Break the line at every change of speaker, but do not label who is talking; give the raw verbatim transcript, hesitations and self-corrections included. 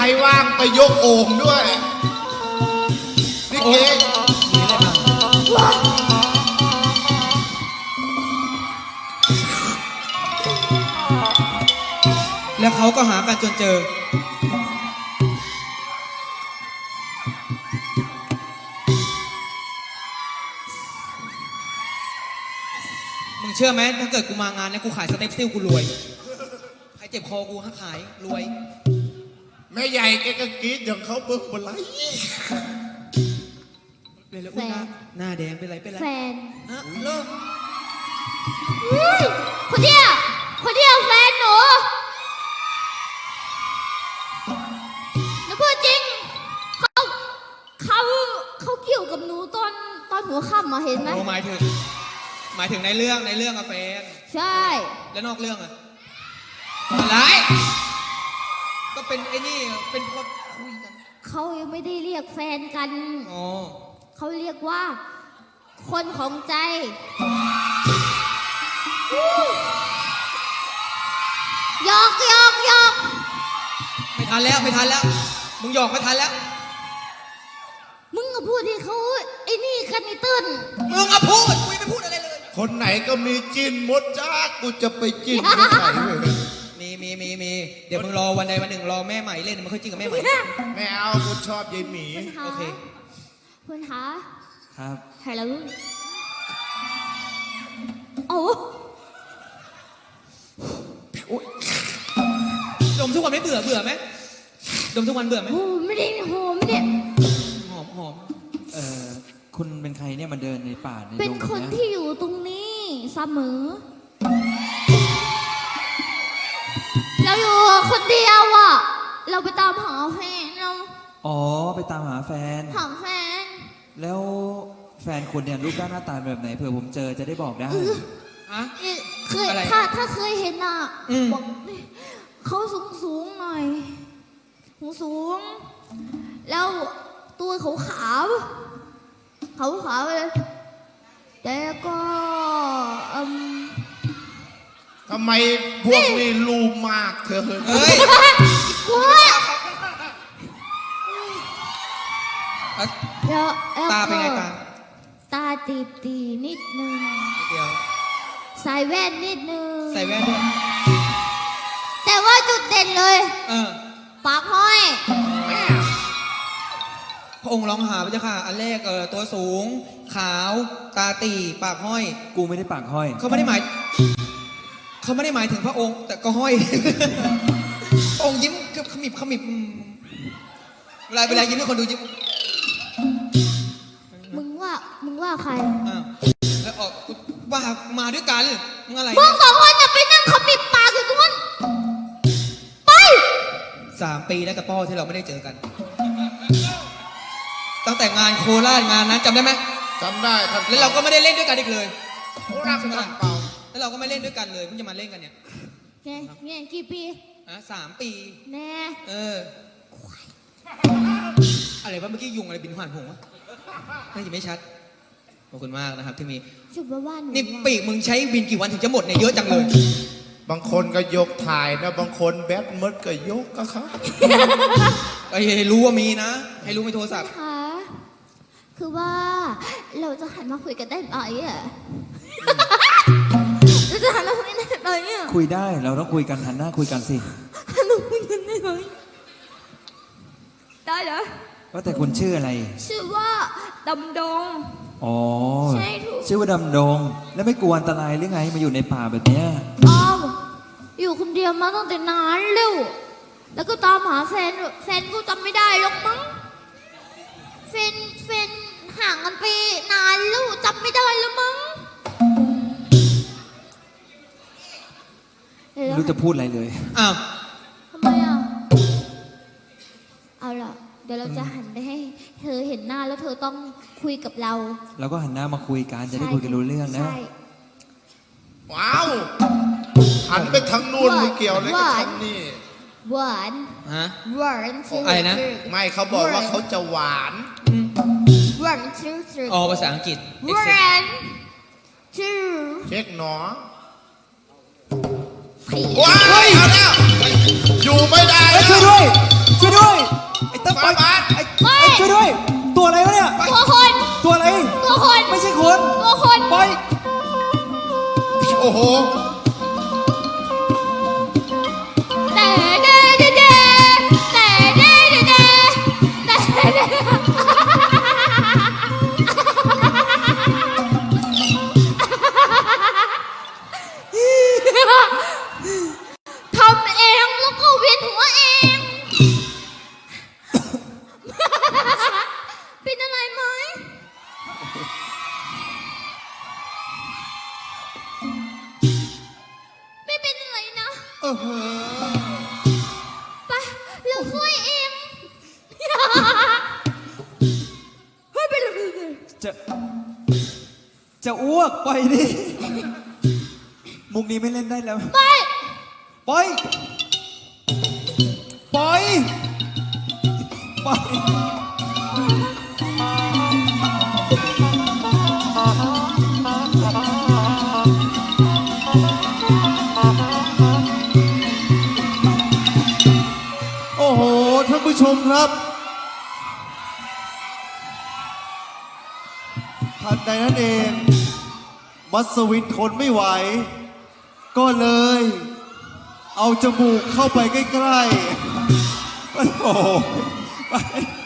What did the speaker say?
ว่างไปยกโอ่งด้วยนี่เอง
แล้วเขาก็หากันจนเจอมึงเชื่อไหมถ้าเกิดกูมางานเนี่ยกูขายสเต็ปซิลกูรวยใครเจ็บคอกูฮะขายรวย
แม่ใหญ่แกก็กรี๊ดอย่างเขาเบิ้งบนไหล
เป็นแล้วอุ้ยหน้าหน้าแดงเป็นไรเป็นไร
แฟน
ฮะเลิก
คนเดียวคนเดียวแฟนหนูหนูพูดจริงเขาเขาเขาเกี่ยวกับหนูตอนตอนหัวค่ำมาเห็นไหม
หมายถึงหมายถึงในเรื่องในเรื่องอะแฟน
ใช่
แล้วนอกเรื่องอะอะไรก็เป็นไอ้นี่เป็นคนคุยกัน
เขายังไม่ได้เรียกแฟนกัน
อ๋อ
เขาเรียกว่าคนของใจหยอกหยอกหยอก
ไม่ทันแล้วไม่ทันแล้วมึงหยอกไม่ทันแล้ว
มึงก็พูดที่เขาไอ้นี่กันไอ้ตื้น
มึงก็พูดกูไม่พูดอะไรเลย
คนไหนก็มีจินมดจ้ากูจะไปจินไม่ไหวเลย
มีมีมีมีเดี๋ยวมึงรอวันใดวันหนึ่งรอแม่ใหม่เล่นมึงค่อยจิ้นกับแม่ใหม่
ไม่เอากูชอบยายหมี
โอเค
คุณคะ
ครับ
ฮัลโหลโอ้
ดมทุกวันไม่เบื่อเบื่อไหมดมทุกวันเบื่อไหม
โอ้ไม่ได้หอมเนี่ย
หอมหอม
เอ่อคุณเป็นใครเนี่ยมาเดินในป่าในดง
เป็นคนที่อยู่ตรงนี้เสมอเราอยู่คนเดียวอ่ะเราไปตามหาแฟนเรา
อ๋อไปตามหาแฟน
หาแฟน
แล้วแฟนคุณเนี่ยรูปร่างหน้าตาแบบไหนเผื่อผมเจอจะได้บอกได้
อะ
เคยถ้าถ้าเคยเห็นอ่ะบอกเขาสูงสูงหน่อยหูสูงแล้วตัวขาวขาวขาวขาวเลยแต่ก็อืม
ทำไมพวกนี้รูมากเธอ
เฮ้ยตาเป็นไงตา
ตาตีตีนิดนึง
เดียว
ใส่แว่นนิดนึง
ใส่แว่นด้วย
แต่ว่าจุดเด่นเลย
เออ
ปากห้อย
พระองค์ร้องหาพระเจ้าค่ะอันแรกเออตัวสูงขาวตาตีปากห้อย
กูไม่ได้ปากห้อย
เขาไม่ได้หมายเขาไม่ได้หมายถึงพระองค์แต่ก็ห้อยองค์ยิ้มขมิบขมิบเวลาเวลายิ้มให้คนดูยิ้ม
มึงว่ามึงว่าใคร
อ่าแล้วออกว่ามาด้วยกันมึงอะไร
มึงสองคนจะไปนั่งขมิบปากอยู่ตรงนั้นไป
สามปีแล้วกับพ่อที่เราไม่ได้เจอกันตั้งแต่งานโคราชงานนั้นจำได้ไหม
จำได้ท่าน
แล้วเราก็ไม่ได้เล่นด้วยกันอีกเลย
โคราชท่านเปล่า
แล้วเราก็ไม่เล่นด้วยกันเลยเพิ่งจะมาเล่นกันเนี่ย
ไงไงกี่ปี
อ่ะสามปี
แน่
เอออะไรวะเมื่อกี้ยุงอะไรบินผ่านผมวะน่าจะไม่ชัดขอบคุณมากนะครับที่มี
ชุบบ้าน
นี่ปีกมึงใช้บินกี่วันถึงจะหมดเนี่ยเยอะจังเลย
บางคนก็ยกถ่ายนะบางคนแบตมดก็ยกก็ครับ
ไอ้ให้รู้ว่ามีนะให้รู้ไม่โทรศัพท์
ค่ะคือว่าเราจะหันมาคุยกันได้ไหมอ่ะเราจะหันมาคุยกันได้ไหมอ่ะ
คุยได้เราต้องคุยกันหันหน้าคุยกันสิ
หันมาคุยกันได้ไหมได้เหรอ
ว่าแต่คุณชื่ออะไร
ชื่อว่าดำดง
อ๋อใช่ถูกชื่อว่าดำดงแล้วไม่กลัวอันตรายหรือไงมาอยู่ในป่าแบบเนี้ย
อ๋ออยู่คนเดียวมาตั้งแต่นานแล้วแล้วก็ตามหาแฟนแฟนก็จำไม่ได้หรอกมั้งแฟนแฟนห่างกันไปนานแล้วจำไม่ได้แล้วมั้ง
ไม่รู้จะพูดอะไรเลย
อ้าว
ทำไมอ่ะเอาล่ะเดี๋ยวเราจะหันไปให้เธอเห็นหน้าแล้วเธอต้องคุยกับเรา
เราก็หันหน้ามาคุยกันจะได้คุยกันรู้เรื่องนะ
ว้าวหันไปทางนู้นไม่เกี่ยวเลยกับฉันนี่
หวาน
ฮะ
หวาน
อะไรนะ
ไม่เขาบอกว่าเขาจะหวาน
หวานชื่อ
อ๋อภาษาอังกฤษ
หวานชื่อ
เช็คหนอ
ว้าว
เอาแล้วอยู่ไม่ได้
ช่วยด้วยช่วยด้วย
อ้โห
แต่เดเดเดแต่เดเดเดแต่เดทำเองแล้วก็เวียนหัวเอง เป็นอะไรไหมไม่เป็นอะไรนะ
เออ
ไปเราช่วยเองเฮ้ยไปเลยไปเลย
จะจะอ้วกไปดิมุกนี้ไม่เล่นได้แล้ว
ไป
ปล่อยปล่อยปล่อย
โอ้โห ท่านผู้ชมครับทันใดนั้นเอง มัสวินทนไม่ไหว ก็เลย เอาจมูกเข้าไปใกล้ๆ
โอ้โหไป